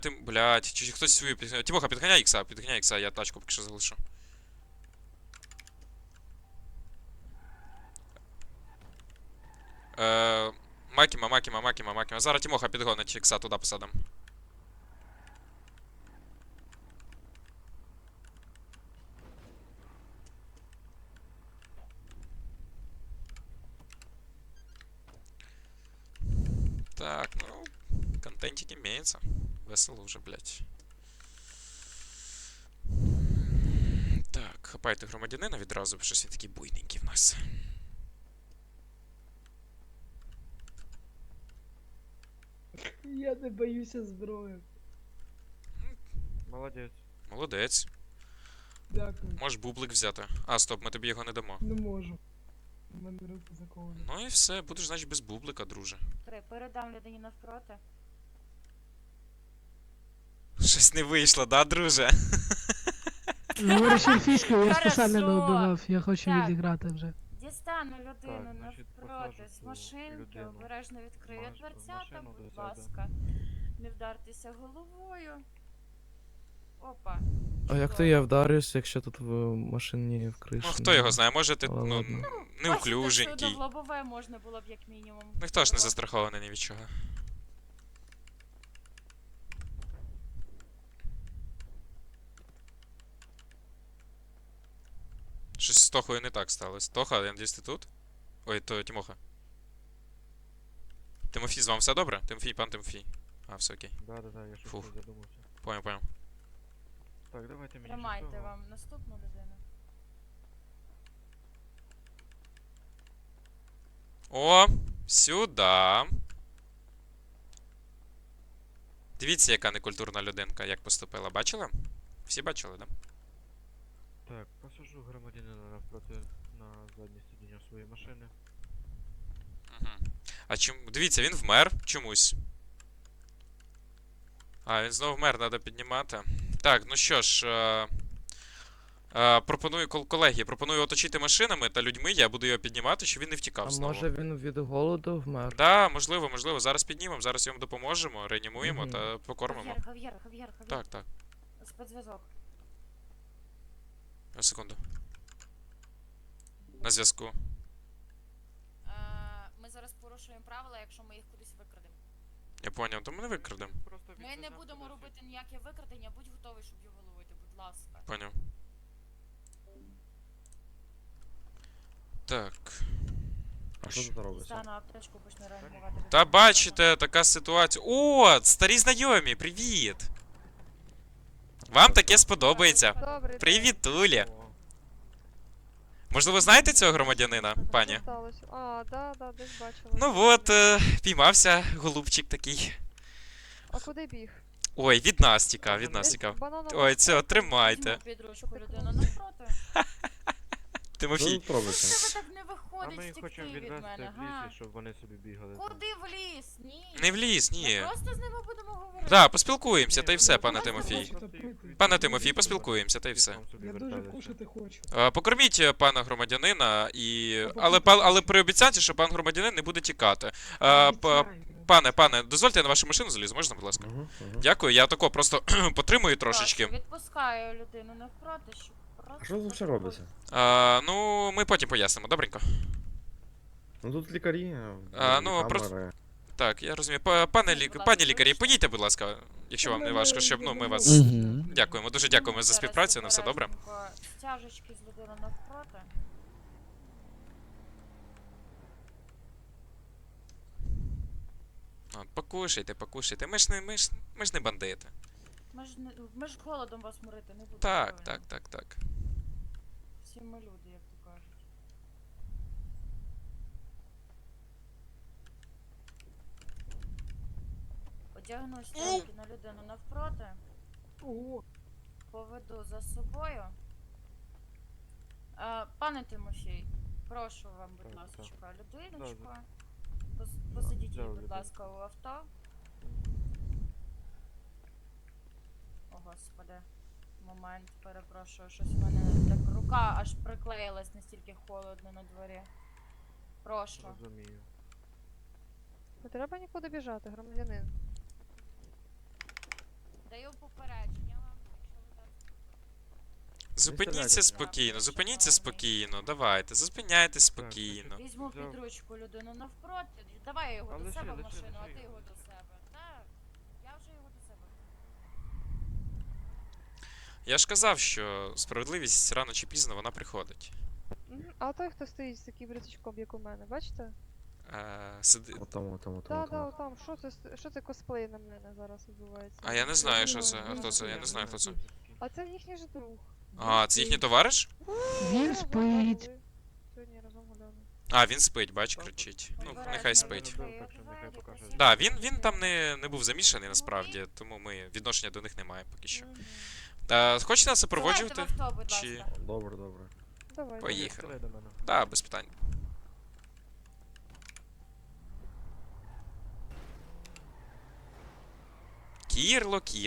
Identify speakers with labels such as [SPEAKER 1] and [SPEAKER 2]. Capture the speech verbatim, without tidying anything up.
[SPEAKER 1] Ти, блядь, чи хтось свою підганяє. Тимоха, підганяй ікса, підганяй ікса, я тачку поки що залишу. Е, Макіма, Макіма, Макіма, Макіма. Зараз Тимоха підгонить ікса, туди посадим. Так, ну, контентик имеется. Весело уже, блядь. Так, хапайте громадянина відразу, бо щось він такий буйненький в нас.
[SPEAKER 2] Я не боюся зброї.
[SPEAKER 3] Молодець.
[SPEAKER 1] Молодець.
[SPEAKER 2] Дякую.
[SPEAKER 1] Можеш бублик взяти. А, стоп, ми тобі його не дамо.
[SPEAKER 2] Не можу. У мене руки заковані.
[SPEAKER 1] Ну і все, будеш, значить, без бублика, друже.
[SPEAKER 4] Три, передам людині навпроти.
[SPEAKER 1] Щось не вийшло, да, друже?
[SPEAKER 2] Говориш ельфійською, я
[SPEAKER 4] Хорошо.
[SPEAKER 2] спеціально не убивав, я хочу
[SPEAKER 4] Так.
[SPEAKER 2] відіграти вже.
[SPEAKER 4] Дістану людину
[SPEAKER 3] Так, значить,
[SPEAKER 4] навпроти
[SPEAKER 3] посаджу
[SPEAKER 4] з
[SPEAKER 3] цю
[SPEAKER 4] машинки,
[SPEAKER 3] людину
[SPEAKER 4] обережно відкрию
[SPEAKER 3] маш- в
[SPEAKER 4] дверцята,
[SPEAKER 3] машину,
[SPEAKER 4] будь
[SPEAKER 3] да, да, да.
[SPEAKER 4] ласка. Не вдартеся головою. Опа.
[SPEAKER 5] А як то
[SPEAKER 4] Чудово.
[SPEAKER 5] я вдарюсь, якщо тут в машині в криші?
[SPEAKER 1] Ну, хто його знає, може ти,
[SPEAKER 5] Але
[SPEAKER 1] ну,
[SPEAKER 5] ладно.
[SPEAKER 4] Бачите,
[SPEAKER 1] неуклюженький.
[SPEAKER 4] все одно в лобове можна було б як мінімум.
[SPEAKER 1] Ніхто ж не
[SPEAKER 4] Було.
[SPEAKER 1] застрахований ні від чого. Щось з Тохою не так сталося. Тоха, я надіюсь, ти тут? Ой, то Тимоха. Тимофій, з вами все добре? Тимофій, пан Тимофій. А, все окей.
[SPEAKER 3] Да-да-да, я щось
[SPEAKER 1] Фух.
[SPEAKER 3] не задумався.
[SPEAKER 1] Понял, понял.
[SPEAKER 3] Так, давайте мені
[SPEAKER 4] Тримайте
[SPEAKER 3] шестого.
[SPEAKER 4] вам наступну людину.
[SPEAKER 1] О, сюда. Дивіться, яка некультурна людинка, як поступила. Бачили? Всі бачили, да?
[SPEAKER 3] Так, посажу громадянина навпроти на заднє сидіння своєї машини.
[SPEAKER 1] Угу. А чому. Дивіться, він вмер чомусь. А, він знову вмер, треба піднімати. Так, ну що ж. Е... Е, пропоную, кол- колеги, пропоную оточити машинами та людьми, я буду його піднімати, щоб він не втікав
[SPEAKER 5] А
[SPEAKER 1] знову.
[SPEAKER 5] може він від голоду вмер?
[SPEAKER 1] Да, можливо, можливо. Зараз піднімемо, зараз йому допоможемо, реанімуємо
[SPEAKER 5] Мгм.
[SPEAKER 1] та покормимо.
[SPEAKER 4] Хав'єр, Хав'єр, Хав'єр, Хав'єр.
[SPEAKER 1] Так, так.
[SPEAKER 4] Спецзв'язок.
[SPEAKER 1] На секунду. На зв'язку.
[SPEAKER 4] Е, Ми зараз порушуємо правила, якщо ми їх кудись викрадемо.
[SPEAKER 1] Я поняв, то ми не викрадемо.
[SPEAKER 3] Просто
[SPEAKER 4] Ми не
[SPEAKER 3] відвеземо
[SPEAKER 4] будемо
[SPEAKER 3] кудись.
[SPEAKER 4] робити ніяке викрадення, будь готовий, щоб його ловити, будь ласка.
[SPEAKER 1] Поняв. Так.
[SPEAKER 6] А що тут робиться?
[SPEAKER 4] Стану аптечку, почну реанімувати.
[SPEAKER 1] Та бачите, така ситуація. О, старі знайомі, привіт! Вам таке сподобається.
[SPEAKER 7] Добре,
[SPEAKER 1] Привіт, Тулі.
[SPEAKER 3] О,
[SPEAKER 1] Можливо, знаєте цього громадянина, пані?
[SPEAKER 7] сталося. А, да, да, десь бачила.
[SPEAKER 1] Ну от, е, піймався голубчик такий.
[SPEAKER 7] А куди біг?
[SPEAKER 1] Ой, від нас тікав, від нас
[SPEAKER 7] Десь
[SPEAKER 1] тікав.
[SPEAKER 7] бананова
[SPEAKER 1] Ой, це
[SPEAKER 7] шкурка.
[SPEAKER 1] тримайте.
[SPEAKER 4] Візьму під ручку людину навпроти.
[SPEAKER 6] Що
[SPEAKER 1] Тимофій.
[SPEAKER 6] тут робиться?
[SPEAKER 4] Тебе так не
[SPEAKER 3] А
[SPEAKER 4] виходить
[SPEAKER 3] ми їх
[SPEAKER 4] втекти
[SPEAKER 3] хочемо
[SPEAKER 4] від
[SPEAKER 3] відвести
[SPEAKER 4] мене,
[SPEAKER 3] в
[SPEAKER 4] га?
[SPEAKER 3] лісі, щоб вони собі бігали. там.
[SPEAKER 4] Куди в ліс? Ні.
[SPEAKER 1] Не в ліс,
[SPEAKER 4] Ми
[SPEAKER 1] ні.
[SPEAKER 4] просто з ними будемо говорити.
[SPEAKER 1] Да, поспілкуємося, та й все,
[SPEAKER 3] Ні,
[SPEAKER 1] пане
[SPEAKER 3] ну,
[SPEAKER 1] Тимофій.
[SPEAKER 3] просто їх
[SPEAKER 2] Пане
[SPEAKER 1] Пане
[SPEAKER 3] відвезти,
[SPEAKER 1] Тимофій,
[SPEAKER 3] щоб
[SPEAKER 1] поспілкуємося, та й
[SPEAKER 3] вони
[SPEAKER 1] все.
[SPEAKER 3] там собі
[SPEAKER 2] Я дуже
[SPEAKER 3] верталися.
[SPEAKER 2] кушати хочу.
[SPEAKER 1] Е, Покорміть е, пана громадянина і.
[SPEAKER 2] Та
[SPEAKER 1] Але,
[SPEAKER 2] покорміть.
[SPEAKER 1] па- але при обіцянці, що пан громадянин не буде тікати. Е, п-
[SPEAKER 2] Обіцяю.
[SPEAKER 1] Пане, пане, дозвольте я на вашу машину залізу, можна, будь ласка?
[SPEAKER 6] Угу, угу.
[SPEAKER 1] Дякую, я тако просто потримую трошечки.
[SPEAKER 4] Прошу, відпускаю людину навпроти, щоб просто...
[SPEAKER 6] А що тут ще робиться?
[SPEAKER 1] Е, ну, ми потім пояснимо, добренько.
[SPEAKER 6] Ну тут лікарі,
[SPEAKER 1] А, ну,
[SPEAKER 6] камери.
[SPEAKER 1] просто- Так, я розумію. Па- Пане
[SPEAKER 4] Будь
[SPEAKER 1] лік...
[SPEAKER 4] ласка,
[SPEAKER 1] Пані лікарі,
[SPEAKER 4] вибачте.
[SPEAKER 1] поїдьте, будь ласка, якщо вам не важко, щоб ну ми вас.
[SPEAKER 5] Мгм.
[SPEAKER 1] Дякуємо, дуже дякуємо за співпрацю, на все добре.
[SPEAKER 4] Стяжечки з людини навпроти.
[SPEAKER 1] От, покушайте, покушайте. Ми ж не, ми ж, ми ж не бандити.
[SPEAKER 4] Ми ж, не, ми ж голодом вас морити не будемо.
[SPEAKER 1] Так,
[SPEAKER 4] правильно?
[SPEAKER 1] так, так, так.
[SPEAKER 4] Всі ми люди, як то кажуть. Одягну стяжки на людину навпроти.
[SPEAKER 2] Ого,
[SPEAKER 4] Поведу за собою. Е, пане Тимофій, прошу вам, будь
[SPEAKER 3] Так,
[SPEAKER 4] ласка, людиночку.
[SPEAKER 3] Да,
[SPEAKER 4] Пос- Посидіть її,
[SPEAKER 3] взяв
[SPEAKER 4] будь
[SPEAKER 3] людину.
[SPEAKER 4] ласка, у авто. О, господи. Момент, перепрошую, щось в мене так рука аж приклеїлась, настільки холодно на дворі. Прошу.
[SPEAKER 3] Розумію.
[SPEAKER 7] Не треба нікуди біжати, громадянин.
[SPEAKER 1] Зупиніться
[SPEAKER 6] стріляйте.
[SPEAKER 1] спокійно, зупиніться спокійно, давайте, зупиняйтесь спокійно.
[SPEAKER 4] Візьму
[SPEAKER 3] Взяв.
[SPEAKER 4] під ручку людину навпроти. Давай його
[SPEAKER 3] А
[SPEAKER 4] до
[SPEAKER 3] лиши,
[SPEAKER 4] себе в
[SPEAKER 3] лиши,
[SPEAKER 4] машину, а
[SPEAKER 3] лиши
[SPEAKER 4] ти
[SPEAKER 3] його.
[SPEAKER 4] його до себе. Так, я вже його до себе.
[SPEAKER 1] Я ж казав, що справедливість рано чи пізно вона приходить.
[SPEAKER 7] Мгм. А той, хто стоїть з таким рюкзачком, як у мене, бачите?
[SPEAKER 1] Е, сиди...
[SPEAKER 6] Отам, отам, отам,
[SPEAKER 7] Да, да,
[SPEAKER 6] отам.
[SPEAKER 7] отам. Що це, с- що це косплей на мене зараз відбувається?
[SPEAKER 1] А я не знаю, що
[SPEAKER 2] Ну,
[SPEAKER 1] це. А
[SPEAKER 2] він
[SPEAKER 1] хто це? Я не
[SPEAKER 2] стоїть.
[SPEAKER 1] знаю, хто це.
[SPEAKER 7] А це їхній ж друг.
[SPEAKER 1] А, це їхній товариш?
[SPEAKER 2] Він
[SPEAKER 7] Разом
[SPEAKER 2] спить.
[SPEAKER 7] гуляли. Сьогодні разом гуляли.
[SPEAKER 1] А, він спить, бач, кричить. Ну,
[SPEAKER 4] Обережно,
[SPEAKER 1] нехай спить.
[SPEAKER 3] Добре, так що нехай покаже.
[SPEAKER 1] Да, він, він там не, не був замішаний насправді, тому ми відношення до них не маємо поки що.
[SPEAKER 4] Мгм.
[SPEAKER 1] Та, хочете нас
[SPEAKER 4] Сідайте в
[SPEAKER 1] супроводжувати?
[SPEAKER 4] авто, будь
[SPEAKER 1] Чи-
[SPEAKER 4] ласка.
[SPEAKER 6] Добре, добре.
[SPEAKER 7] Давай.
[SPEAKER 1] Поїхали.
[SPEAKER 3] Стріляй до мене.
[SPEAKER 1] Да, без питань. Кірло, Кір.